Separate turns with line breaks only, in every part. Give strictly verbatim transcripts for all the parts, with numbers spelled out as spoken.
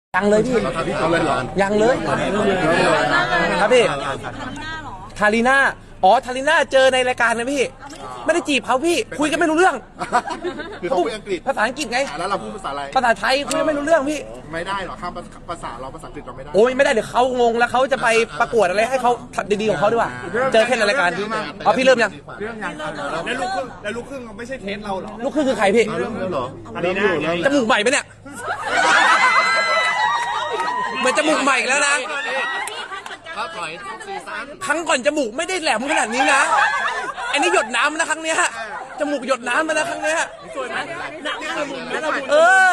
ยังเลยพี่ยังเลยครับพี่ทารีน่าอ๋อทารีน่าเจอในรายการนะพี่ไม่ได้จีบเขาพี่คุยกันไม่รู้เรื่อง
คือเขาพูดอังกฤษ
ภาษาอังกฤษไง
แล้วเราพูดภาษาอะไร
ภาษาไทยคุยกันไม่รู้เรื่องพี่
ไม่ได้หรอข้ามภาษาเราภาษาอังกฤษเราไม่ได้
โอ้ยไม่ได้เดี๋ยวเขางงแล้วเขาจะไปประกวดอะไรให้เขาดีๆของเขาดีกว่าเจอแค่ในรายการอ๋อพี่เริ่มยัง
เรื่องยังแล้วลูกครึ่งแล้วลูกครึ่งไม่ใช่เทสเราหรอ
ลูกครึ่งคือใครพี่
เริ่มแล้วเหรอ
อันนี้นะ
จมูกใหม่ไหมเนี่ยเหมือนจมูกใหม่แล้วนะครั้งก่อนจมูกไม่ได้แหลมขนาดนี้นะอันนี้หยดน้ำนะครั้งเนี้ยจมูกหยดน้ำมานะครั้งเนี้ย
สวยไหมหนักหนัก
เออ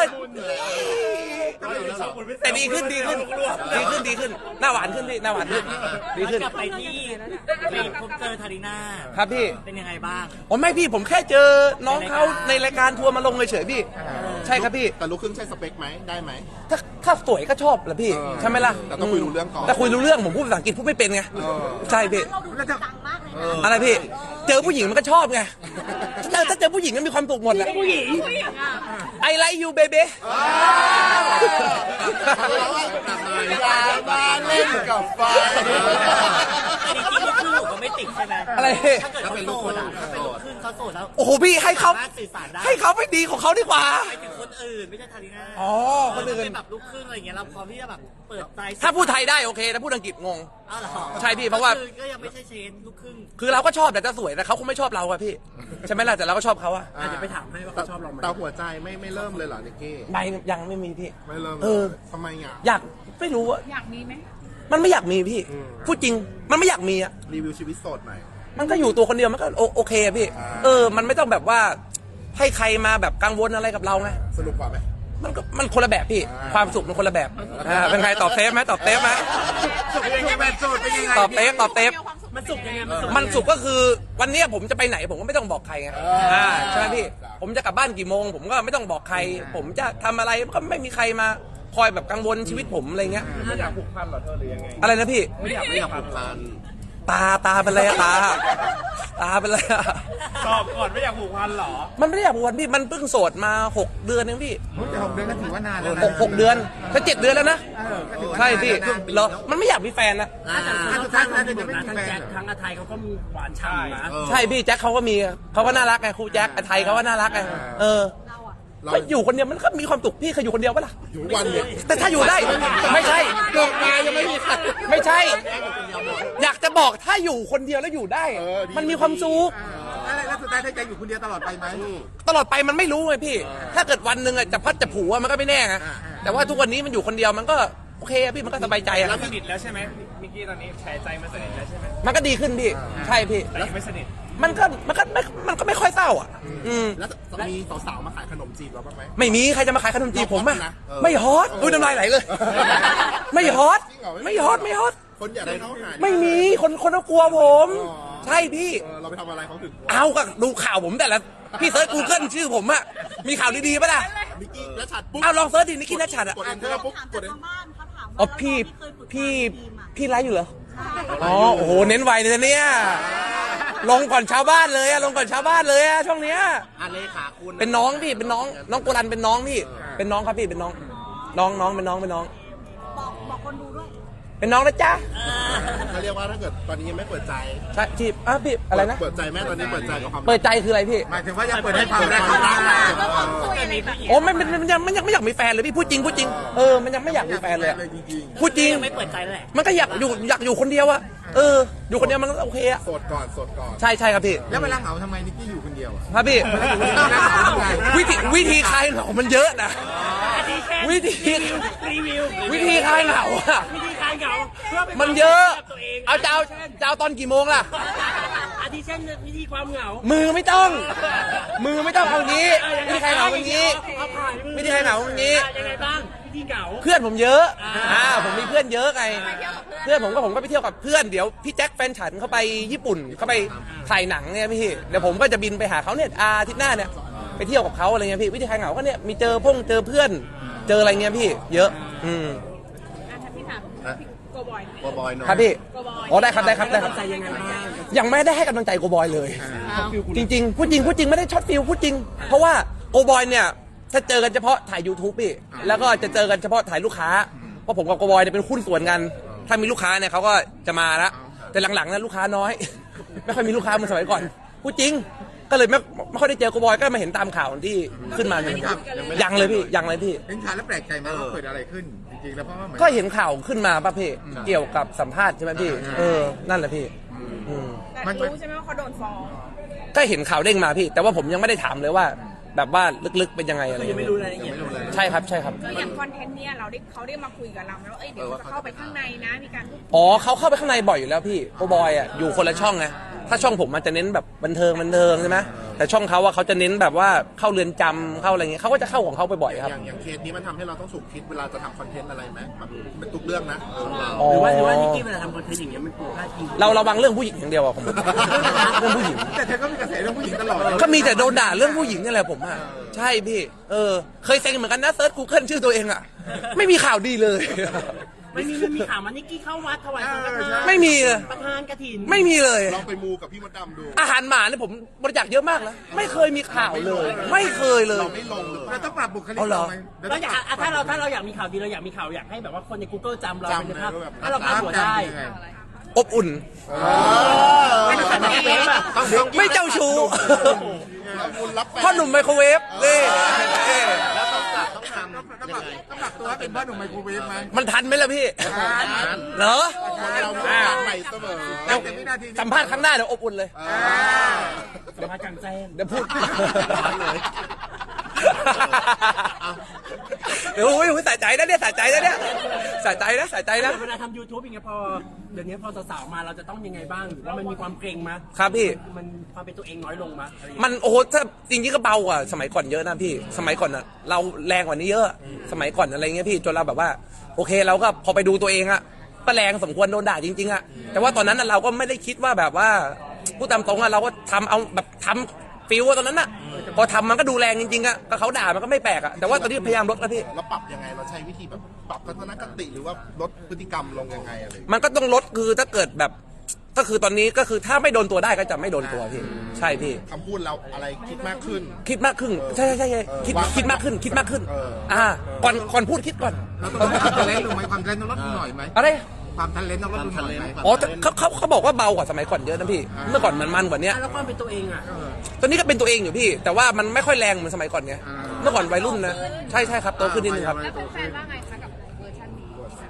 แต่ดีขึ้นดีขึ้นดีขึ้นดีขึ้นหน้าหวานขึ้นพี่หน้าหวานขึ้นดีขึ้น
กลับไปที่ไปพบเจอทาริน่า
ครับพี่
เป็นยังไงบ้าง
อ๋อไม่พี่ผมแค่เจอน้องเขาในรายการทัวร์มาลงเฉยๆพี่ใช่ครับพี่
แต่ลูกครึ่งใช่สเปคไหมได้ไหม
ถ้าถ้าสวยก็ชอบแหละพี่ใช่ไหมล่ะ
แต่ต้องคุยรู้เรื่องก่อน
แต่คุยรู้เรื่องผมพูดภาษาอังกฤษพูดไม่เป็นไงใช่พี่อะไรพี่เจอผู้หญิงมันก็ชอบไงเจอถ้าเจอผู้หญิงก็มีความสุขหมดแหละ
ผู้หญิง
I like you baby
อย่ามาเล่นกับไฟ
จริงๆลูกครึ่งก็ไม่ติดใช่ไหม
อะไร
ถ้าเกิดเขาโสดอ่ะถ้าเป็นลูกครึ่งเขาโสดแล้ว
โอ้โหพี่ให้เขา
สื่อสารได้
ให้เขาไปดีของเขาดีกว่า
ไปถึงคนอื่นไม่ใช่ทาริน่า
อ๋อคนอื่น
เป็นแบบลูกครึ่งอะไรอย่างเงี้ยเราพร้อมที่จะแบบเปิดใจ
ถ้าพูดไทยได้โอเคถ้าพูดอังกฤษงงใช่พี่เพราะว่า
ก็ยังไม่ใช่เชนลูกครึ่ง
คือเราก็ชอบแต่จะสวยแต่เขาคงไม่ชอบเราอะพี่ใช่ไหมล่ะแต่เราก็ชอบเขาอะ
อาจจะไปถามให้ว่าเขาชอบเราไหม
แต่หัวใจไม่ไม่เริ่มเลยเหรอนิกกี้
ไม่ยังไม่มีพี่
ไม่เริ่ม
เออ
ทำไมอ่ะ
อยากไม่รู้อะ
อยากมีไหม
มันไม่อยากมีพี่พูดจริงมันไม่อยากมีอะ
รีวิวชีวิตโสดหน่อย
มันก็อยู่ตัวคนเดียวมันก็โอเคอะพี่เออมันไม่ต้องแบบว่าให้ใครมาแบบกังวลอะไรกับเราไง
สนุกกว่าไหม
มันก็มันคนละแบบพี่ความสุขมันคนละแบบอ่าเป็นใครตอบเซฟไหมตอบเซฟไหมตอบเซฟตอบเซฟ
มันสุขยังไง
มันสุขก็คือวันนี้ผมจะไปไหนผมก็ไม่ต้องบอกใครไงอ่าใช่ไหมพี่ผมจะกลับบ้านกี่โมงผมก็ไม่ต้องบอกใครผมจะทำอะไรก็ไม่มีใครมาคอยแบบกังวลชีวิตผมอะไรเงี้ย
ไม่อยากผูกพันหรอเธอหรือยังไง
อะไรนะพี่
ไม่อยากไม่อยากผูกพัน
ตาตาเป็นไรตาตาเป็นไร
ตอบก่อนไม่อยากผูกพันหรอ
มันไม่ได้อยากผูกพันพี่มันเพิ่งโสดมาหกเดือนเองพี่
แต่หกเดือนก็ถือว่านานแล้ว
หกเดือนถ้าเจ็ดเดือนแล้วนะใช่พี่เหรอมันไม่อยากมีแฟนนะ
ทั้งทั้งทั้งแจ็คทั้งอาไทยเขาก็มีหวานฉ่ำนะ
ใช่พี่แจ็คเขาก็มีเขาก็น่ารักไงครูแจ็คอาไทยเขาก็น่ารักไงเออก็อยู่คนเดียวมันก็มีความสุขพี่เคยอยู่คนเดียวปะล่ะ
อยู่วันเดียว
แต่ถ้าอยู่ได้ไม่ใช่
เกิดมายังไม่มีใคร
ไม่ใช่อยากจะบอกถ้าอยู่คนเดียวแล้วอยู่ได้มันมีความสุข
แล้วสุดท้ายได้ใจอยู่คนเดียวตลอดไปไหม
ตลอดไปมันไม่รู้ไงพี่ถ้าเกิดวันหนึ่งจะพัดจะผูกมันก็ไม่แน่ไงแต่ว่าทุกวันนี้มันอยู่คนเดียวมันก็โอเคพี่มันก็สบายใจอะ
สนิทแล้วใช่ไหมมิกกี้ตอนนี้แชร์ใจมันสนิทแล้วใช่ไหม
มันก็ดีขึ้นพี่ใช่พี่
แล้วไม่สนิท
มันก็มันก็ไม่มันก็ไม่ค่อยเศร้าอ่ะอืม
แล้วมีสาวๆมาขายขนมจีบเราบ้างไหม
ไม่มีใครจะมาขายขนมจีบผมอ่ะไม่ฮอตอุ้ยน้ำลายไหลเลยไม่ฮอตไม่ฮอตไม่ฮอต
คนอยากได้เขาหา
ไม่มีคนคนเขากลัวผมใช่พี่
เราไปทำอะไรเขาถึง
เอาก็ดูข่าวผมแต่ละพี่เซิร์ชกูเกิลชื่อผมอ่ะมีข่าวดีๆป่ะล่ะ
นิกกี้นัชชัดปุ๊บ
เอาลองเซิร์ชดินิกกี้นัชชัดอ่ะ
กดเอนเตอร์ปุ๊บกดเอน
อ๋อพี่พี่พี่ไลฟ์อยู่เหรออ๋อโอ้โหเน้นไวเลยเนี่ยลงก่อนชาวบ้านเลยอะลงก่อนชาวบ้านเลยอะช่วงเนี้ย
อาเลขาคุณ
เป็นน้องพี่เป็นน้องน้องโกลันเป็นน้องพี่เป็นน้องครับพี่เป็นน้องน้องน้องเป็นน้องเป็นน้อง
บอกบอกคนดูด้วย
เป็นน้องนะจ๊ะ
เขาเรียกว่าถ้าเกิดตอนนี้ยังไม่เปิดใจ
ใช่ที่อ่ะพี่อะไรนะ
เปิดใจแม่ตอนนี้เปิดใจกับความ
เปิดใจคืออะไรพี่
หมายถึงว่ายังเปิดให้ความรัก
โอ้ไม่มันยังมันยังไม่อยากมีแฟนเลยพี่พูดจริงพูดจริงเออมันยังไม่อยากมีแฟนเลยพูดจริง
ไม่เปิดใจแหละ
มันก็อยากอยู่อยากอยู่คนเดียวอะเอออยู่คนเดียวมันก็โอเคอะ
โสดก่อนโสดก่อน
ใช่ใช่ครับพี่
แล้วเวลาเหงาทำไมนิกกี้อยู่คนเดียว
ครับพี่วิธีวิธีคลายเหงามันเยอะนะวิธี
รีวิว
วิธีคลายเหงาอะ
วิธีคลายเหงา
มันเยอะเอาเจ้าเจ้าตอนกี่โมงล่ะ
อาทิเช่นวิธีความเหงา
มือไม่ต้องมือไม่ต้องเอางี้วิธีคลายเหงาอย่างนี้วิธีคลายเหงาอย่างนี้
ยังไงบ้างวิธีเหงา
เพื่อนผมเยอะอ่าผมมีเพื่อนเยอะไงเพื่อนผมก็ผมก็ไปเที่ยวกับเพื่อนเดี๋ยวพี่แจ็คแฟนฉันเขาไปญี่ปุ่นเขาไปถ่ายหนังเนี่ยพี่เดี๋ยวผมก็จะบินไปหาเขาเนี่ยอาทิตย์หน้าเนี่ยไปเที่ยวกับเขาอะไรเงี้ยพี่วิธีคลายเหงาก็เนี่ยมีเจอพงเจอเพื่อนเจออะไรเงี้ยพี่เยอะอืม
พี่ถามโกบอย
โกบอยเนาะ
ครับพี่อ๋อได้ครับได้ครับได้ครับยังไม่ได้ให้กำลังใจโกบอยเลยจริงๆพูดจริงพูดจริงไม่ได้ช็อตฟิลพูดจริงเพราะว่าโกบอยเนี่ยถ้าเจอกันเฉพาะถ่าย YouTube พี่แล้วก็จะเจอกันเฉพาะถ่ายลูกค้าเพราะผมกับโกบอยเนี่ยเป็นหุ้นส่วนกันถ้ามีลูกค้าเนี่ยเขาก็จะมาละแต่หลังๆนั้นลูกค้าน้อย ไม่ค่อยมีลูกค้าเหมือนสมัยก่อนพูดจริงก็เลยไม่ไม่ค่อยได้เจอโกบอยก็มาเห็นตามข่าวที่ขึ้นมาเนี่ยยังเลยพี่ยังเลยพี่
เห็นข่าวแล้วแปลกใจไหมว่าเกิดอะไรขึ้นจริงๆแล้วเพราะว่าเหมือน
ก็เห็นข่าวขึ้นมาป่ะพี่เกี่ยวกับสัมภาษณ์ใช่ไหมพี่เออนั่นแหละพี่อืม
แต่รู้ใช่ไหมว่าเขาโดนฟ้อง
ก็เห็นข่าวเด้งมาพี่ แต่ว่าผมยังไม่ได้ถามเลยว่า แบบว่าลึกๆเป็นยังไงอะไร
ยังไม่รู้รายละเอียด
ใช่ครับใช่ครับ
คืออย่างคอนเทนต์เนี่ยเราได้เขาได้มาคุยกับเราแล้วว่าเอ้ยเดี๋ยวจะเข้าไปข้างในนะมีการพูด
อ๋อเขาเข้าไปข้างในบ่อยอยู่แล้วพี่โกบอยอ่ะอยู่คนละช่องไงถ้าช่องผมมันจะเน้นแบบบันเทิงบันเทิงใช่ไหมแต่ช่องเขาว่าเขาจะเน้นแบบว่าเข้าเรือนจำเข้าอะไรเงี้ยเขาก็จะเข้าของเขาไปบ่อยครับ
อย่างอย่างเคสนี้มันทำให้เราต้องสุกคิดเวลาจะทำคอนเทนต์อะไรไหมแบบเป็นทุกเรื่องนะเออเรา
อ๋อ
หรือว่าหรือว่านิกกี้เวลาทำคอนเทนต์อย่างเงี้ยมันกลัวพลาดพิง
เราระวังเรื่องผู้หญิงอย่างเดียวอะผมเรื่องผู้หญิง
แต่เธอก็มีกระแสเรื่องผู้หญิงตลอดเลย
ก็มีแต่โดนด่าเรื่องผู้หญิงนี่แหละผมอะใช่พี่เออเคยเซ็งเหมือนกันนะเซิร์ชกูเกิลชื่อตัวเองอะไม่มีข่าวดีเลย
ไม่มีไม่มีข่าวมานิกกี้เข้าวัดถวายสังฆทาน
ไม่มีเลย
ประธานกฐิน
ไม่มีเลย
ลองไปมูกับพี่มดดำดู
อาหารหมาเนี่ยผมบริจาคเยอะมากนะไม่เคยมีข่าวเลย ไม่เคยเลย
เราไม่ลงหรือเปล่าเราต้องปรับบุคลิก
เอาเหรอ
ไหมเดี๋ยว
เรา
ต้อง
อยาก
ปรับ
อ่ะถ้าเราถ้าเราอยากมีข่าวดีเราอยากมีข่าวอยากให้แบบว่าคนใน Google จำเราเป็น
จำ
ภาพ
เลยว่าแบบ
ถ้าเราพาดหัวได้
ยังไง
อบอุ่น
ไม่ต้องใส่เฟซอ่ะ
ไม่เจ้าชู้
เราบุญรับแฟน
พ่อหนุ่มไมโครเวฟนี่นี่
แล้วต้องปรับต้องทำต้องปรับต้องปรับตัวให้เป็นพ่อหนุ่มไมโครเวฟไหม
มันทันไหมล่ะพี่เหรอ
เราต้องการใหม่เสมอ
เดี๋ยว
แต่วินาทีนี้
สัมภาษณ์ครั้งหน้าเดี๋ยวอบอุ่นเลย
อ่า
เดี๋ยวมากลางแจ้ง
เดี๋ยวพูด
เลย
เดี๋ยวโอ้ยสะใจนะเนี่ยสะใจนะเนี่ยสะใจนะสะใจนะ
เวลาทำ YouTube อย่างเงี้ยพอเดี๋ยวนี้พอสาวๆมาเราจะต้องยังไงบ้างหรือว่ามันมีความเกรงมั้ย
ครับพี่
มันความเป็นตัวเองน้อยลงมั้ยอะไรอย่างเงี้ย
มันโอ้โหถ้าจริงๆก็เบากว่าสมัยก่อนเยอะนะพี่ สมัยก่อนอะเราแรงกว่านี้เยอะ สมัยก่อนอะไรเงี้ยพี่จนเราแบบว่า โอเคเราก็พอไปดูตัวเองอะก็แรงสมควรโดนด่าจริงๆอะแต่ว่าตอนนั้นอะเราก็ไม่ได้คิดว่าแบบว่าพูดตามตรงอะเราก็ทำเอาแบบทำฟิลว่าตอนนั้นอะพอทำมันก็ดูแรงจริงๆอะก็เขาด่ามันก็ไม่แปลกอะแต่ว่าตอนนี้พยายามลดแล้วพี่
เราปรับยังไงเราใช้วิธีแบบปรับทัศนคติหรือว่าลดพฤติกรรมลงยังไงอะไร
มันก็ต้องลดคือถ้าเกิดแบบก็คือตอนนี้ก็คือถ้าไม่โดนตัวได้ก็จะไม่โดนตัวพี่ใช่พี่
คำพูดเราอะไรคิดมากขึ้น
คิดมากขึ้นใช่ใช่ใช่ใช่คิด
วาง
คิดมากขึ้นคิดมากขึ้น
เออ
อ่าก่อนก่อนพูดคิดก่อน
เราต้องลดทะเลนลงไหมความทะเลนต้องลดหน่อยไหม
อะไร
ความทะเลนต้องลดหน่อยไหม
อ๋อแต่เขาเขาเขาบอกว่าเบากว่าสมัยก่อนเยอะนะพี่ เมื่อก่อนมันมันกว่านี้
อ่ะแล้วความเป็นตัวเองอ่ะ
ตอนนี้ก็เป็นตัวเองอยู่พี่ แต่ว่ามันไม่ค่อยแรงเหมือนสมัยก่อนไงเมื่อก่อนวัยรุ่นนะใช่ใช่ครับโตขึ้นนิดนึงครับ
แล้วแฟนๆว่าไงคะกับเวอร์ชันนี้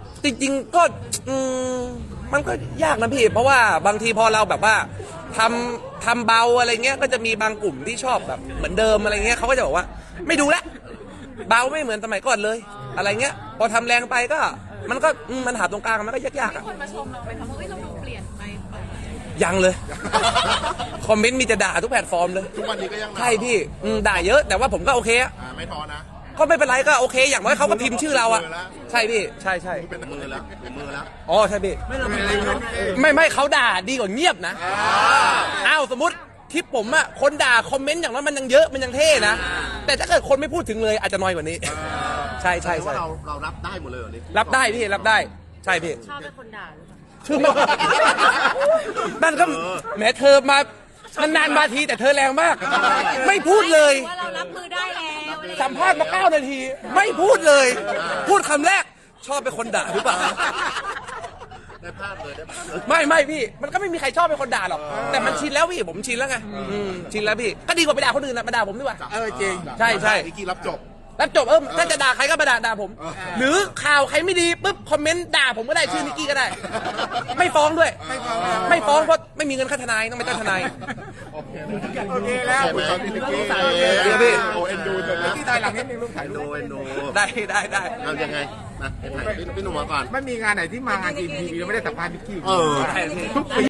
จริงๆก็อืมมันก็ยากนะพี่ เพราะว่าบางทีพอเราแบบว่าทำทำเบาอะไรเงี้ยก็จะมีบางกลุ่มที่ชอบแบบเหมือนเดิมอะไรเงี้ยเขาก็จะบอกว่าไม่ดูแล้วเบาไม่เหมือนสมัยก่อนเลย อะไรเงี้ยพอทำแรงไปก็ มันก็อืมมันหาตรงกลางมันก็ยากๆอะ
คนมาชมเราไหมคะว่าเอ้ยเราดูเปลี่ยนไปเปล่า
ยังเลย คอมเมนต์มีแต่ด่าทุกแพลตฟอร์มเลย
ทุกวันนี้ก็ยัง
ใช่พี่อืมด่าเยอะแต่ว่าผมก็โอเคอะ
อ่าไม่ท้อนะ
ก็ไม่เป็นไรก็โอเค อย่างน้อยเขาก็พิมพ์ชื่อเราอะใช่พี่ใช่ใช่
เป็นมือแล้วเป็นมือแล้ว
อ๋อใช่พี่
ไม่เราเป็น
อะไรเงี้ย
ไม่ไม่เขาด่าดีกว่าเงียบนะอ้าวสมมติคลิปผมอะคนด่าคอมเมนต์อย่างนั้นมันยังเยอะมันยังเท่นะแต่ถ้าเกิดคนไม่พูดถึงเลยอาจจะน้อยกว่านี้ ใช่ใช่
แต่ว่า
ใช่
เราเรารับได้หมดเลยเหรอ
รับได้พี่รับได้ใช่พี่
ชอบเป็นคนด่าหรือเปล่า
ชื่อไม่นั่นก็แหมเธอมานานๆมาทีแต่เธอแรงมาก ไม่พูดเลย
ว่าเรารับมือได้แล้วอะไรอย่างเงี้ย
สัมภาษณ์มาเก้านาที ไม่พูดเลย พูดคำแรก ชอบเป็นคนด่าหรือเปล่า
ได้ภาพเลยได้ภาพเลย
ไม่ไม่พี่ มันก็ไม่มีใครชอบเป็นคนด่าหรอก แต่มันชินแล้วพี่ผมชินแล้วไงอืมชินแล้วพี่ก็ดีกว่าไปด่าคนอื่นนะมาด่าผมดีกว่า
เออจริง
ใช่ใช่
นิกกี้รับจบ
รับจบเออถ้าจะด่าใครก็มาด่าด่าผม
เออ
หรือข่าวใครไม่ดีปุ๊บคอมเมนต์ด่าผมก็ได้ชื่อนิกกี้ก็ได้ ไม่ฟ้องด้วย
ไม่ฟ้อง
ไม่ฟ้องเพราะไม่มีเงินค่าทนายต้องไปจ้างทนาย
โอเคแล้วคุณตอนนี้นิกกี้
เดี๋ยวพี่
โอเอ็นดูจนนะที่ถ่ายหลังนิดนึงลูกถ่ายรูปเอ็นดู
ได้ได้ได้
เอายังไงนะถ่ายพี่หนุ่มมาก่อน
ไม่มีงานไหนที่มางานทีมทีวีแล้วไม่ได้สัมภาษณ์นิกกี้
เออ
ได้พี่
ทุกปี